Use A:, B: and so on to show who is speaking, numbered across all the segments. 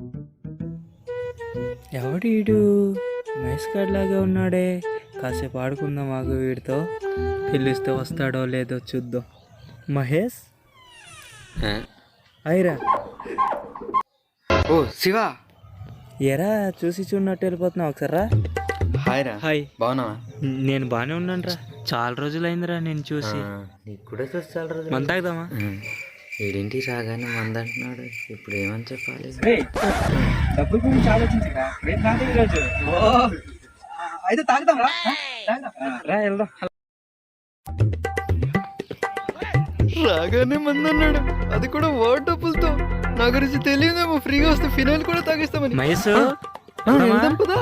A: ఎవడీడు మహేష్ గారి లాగా ఉన్నాడే. కాసేపు ఆడుకుందాం ఆగు, వీడితో పిలిస్తే వస్తాడో లేదో చూద్దాం. మహేష్ అయిరా.
B: ఓ శివ,
A: ఎరా చూసి చూడనట్టు వెళ్ళిపోతున్నావు. ఒకసారి రా.
B: హాయ్ రా.
A: హాయ్.
B: బాగున్నావా?
A: నేను బాగానే ఉన్నాను రా. చాలా రోజులైందిరా నేను చూసి.
B: నీకు కూడా చూసి చాలా రోజులు.
A: మంద తాగుదామా?
B: ఏడింటి రాగానే మంద అంటున్నాడు. ఇప్పుడు ఏమని చెప్పాలి?
C: డబ్బుల గురించి ఆలోచించరా. అయితే తాగుదాం రా.
A: రా వెళ్దాం.
B: రాగానే మంది అన్నాడు, అది కూడా వాటర్ డబ్బులతో. నా గురించి తెలియదేమో, ఫ్రీగా వస్తే ఫినాయిల్ కూడా తాగిస్తామని.
A: మహేష్
B: వెళ్దాం పదా.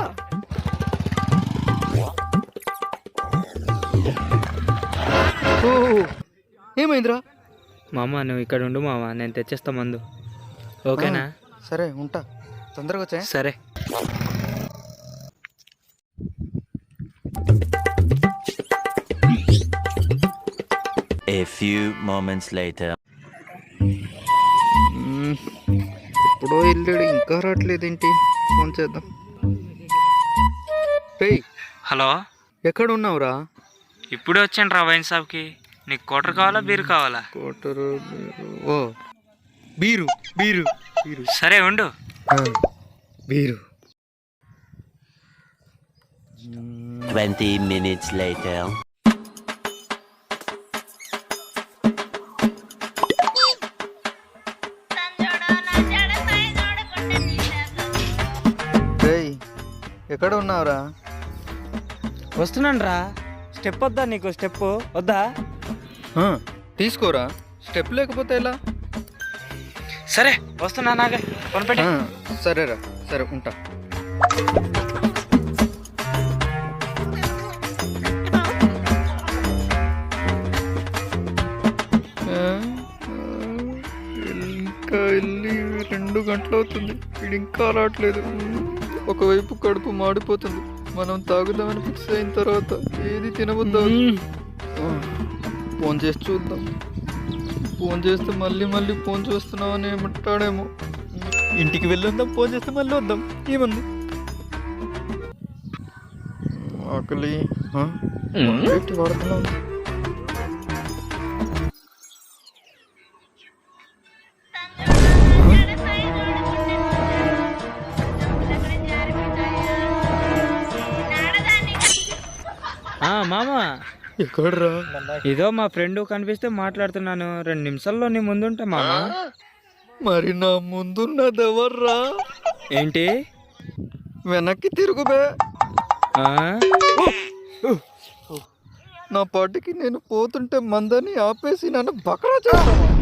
B: ఓ ఏమైందిరా?
A: మామ నువ్వు ఇక్కడ ఉండు మామ, నేను తెచ్చేస్తా మందు. ఓకేనా?
B: సరే ఉంటా, తొందరగా వచ్చా.
A: సరే.
D: A few moments later.
B: ఎప్పుడో వెళ్ళాడు, ఇంకా రావట్లేదేంటి? ఫోన్ చేద్దాం.
A: హలో,
B: ఎక్కడ ఉన్నావురా?
A: ఇప్పుడే వచ్చాను రా వైన్ షాప్కి. నీకు క్వార్టర్ కావాలా బీరు కావాలా?
B: కోటరు. ఓ బీరు బీరు బీరు.
A: సరే ఉండు.
B: బీరు.
D: 20 minutes later.
B: ఎక్కడ ఉన్నావురా?
A: వస్తున్నాను రా. స్టెప్ వద్దా నీకు? స్టెప్ వద్దా?
B: తీసుకోరా. స్టెప్ లేకపోతే ఎలా?
A: సరే వస్తున్నా. నాగే కొనిపెట్టి.
B: సరేరా, సరే ఉంటా. ఇంకా వెళ్ళి 2 గంటలు అవుతుంది, వీడు ఇంకా రావట్లేదు. ఒకవైపు కడుపు మాడిపోతుంది. మనం తాగుదామని ఫిక్స్ అయిన తర్వాత ఏది తినబుద్దాం. ఫోన్ చేసి చూద్దాం. ఫోన్ చేస్తే మళ్ళీ ఫోన్ చేస్తున్నామని ఏమంటాడేమో. ఇంటికి వెళ్ళొద్దాం, ఫోన్ చేస్తే మళ్ళీ వద్దాం. ఏముంది? ఆకలి వాడుతున్నాం.
A: మామ
B: ఎక్కడ్రా?
A: ఇదో మా ఫ్రెండ్ కనిపిస్తే మాట్లాడుతున్నాను. 2 నిమిషాల్లో నీ ముందుంటా మామ.
B: మరి నా ముందున్నది ఎవర్రా?
A: ఏంటి?
B: వెనక్కి తిరుగుబే.
A: ఆ?
B: నా పాటికి నేను పోతుంటే మందని ఆపేసి నన్ను బకరా చేస్తావా?